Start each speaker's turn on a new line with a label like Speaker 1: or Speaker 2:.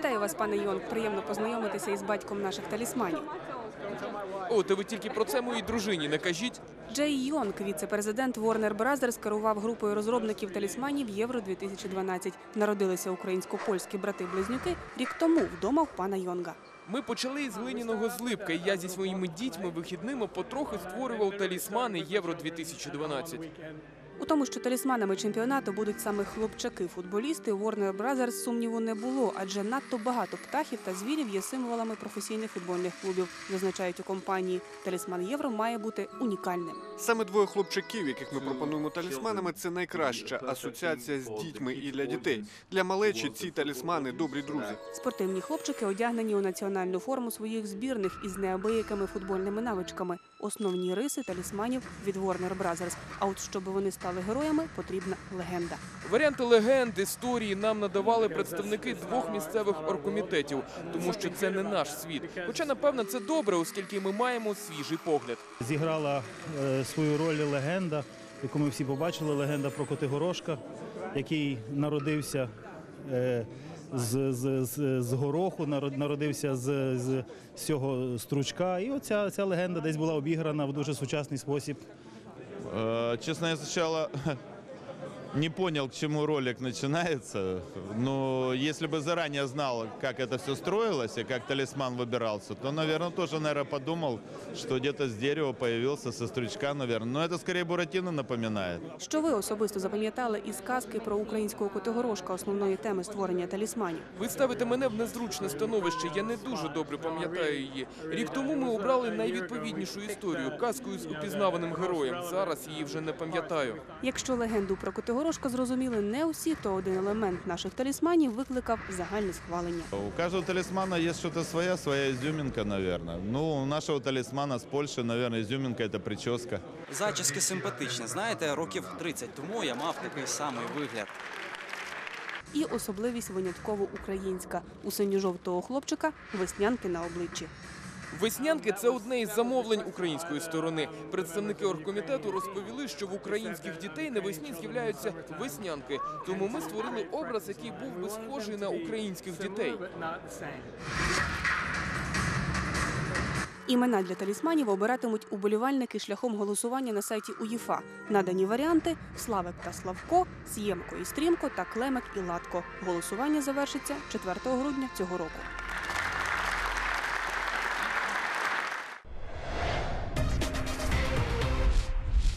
Speaker 1: Вітаю вас, пане Йонг. Приємно познайомитися із батьком наших талісманів.
Speaker 2: О, то ви тільки про це моїй дружині не кажіть.
Speaker 1: Джей Йонг, віце-президент Warner Brothers, керував групою розробників талісманів Євро-2012. Народилися українсько-польські брати-близнюки рік тому вдома в пана Йонга.
Speaker 2: Ми почали із глиняного злипка, і я зі своїми дітьми вихідними потрохи створював талісмани Євро-2012.
Speaker 1: У тому, що талісманами чемпіонату будуть саме хлопчаки-футболісти, у Warner Brothers сумніву не було, адже надто багато птахів та звірів є символами професійних футбольних клубів, зазначають у компанії. Талісман Євро має бути унікальним.
Speaker 3: Саме двоє хлопчаків, яких ми пропонуємо талісманами, це найкраща асоціація з дітьми і для дітей. Для малечі ці талісмани – добрі друзі.
Speaker 1: Спортивні хлопчики одягнені у національну форму своїх збірних із неабиякими футбольними навичками. Основні риси талісманів від Warner Brothers. А от щоб вони стали героями, потрібна легенда.
Speaker 2: Варіанти легенд, історії нам надавали представники двох місцевих оргкомітетів, тому що це не наш світ. Хоча, напевно, це добре, оскільки ми маємо свіжий погляд.
Speaker 4: Зіграла свою роль легенда, яку ми всі побачили, легенда про Котигорошка, який народився з гороху, народився з цього стручка. І оця легенда десь була обіграна в дуже сучасний спосіб.
Speaker 5: Честно, я сначала не понял, к чему ролик начинается, но если бы заранее знал, как это все строилось и как талисман выбирался, то, наверное, тоже, подумал, что где-то с дерева появился, со стручка, наверное. Но это скорее Буратино напоминает.
Speaker 1: Що ви особисто запам'ятали із казки про українського Котигорошка, основної теми створення талісманів?
Speaker 2: Ви ставите мене в незручне становище, я не дуже добре пам'ятаю її. Рік тому ми обрали найвідповіднішу історію – казку з упізнаваним героєм. Зараз її вже не пам'ятаю.
Speaker 1: Якщо легенду про Котигорошка зрозуміли не усі, то один елемент наших талісманів викликав загальне схвалення.
Speaker 5: У каждого талисмана есть что-то своя изюминка, наверное. Ну, у нашего талисмана с Польши, наверное, изюминка – это прическа.
Speaker 6: Зачіски симпатичні. Знаєте, років 30 тому я мав такий самий вигляд.
Speaker 1: І особливість винятково українська. У синьо-жовтого хлопчика веснянки на обличчі.
Speaker 2: Веснянки – це одне із замовлень української сторони. Представники оргкомітету розповіли, що в українських дітей навесні з'являються веснянки. Тому ми створили образ, який був би схожий на українських дітей.
Speaker 1: Імена для талісманів обиратимуть уболівальники шляхом голосування на сайті УЄФА. Надані варіанти – Славик та Славко, С'ємко і Стрімко та Клемик і Латко. Голосування завершиться 4 грудня цього року.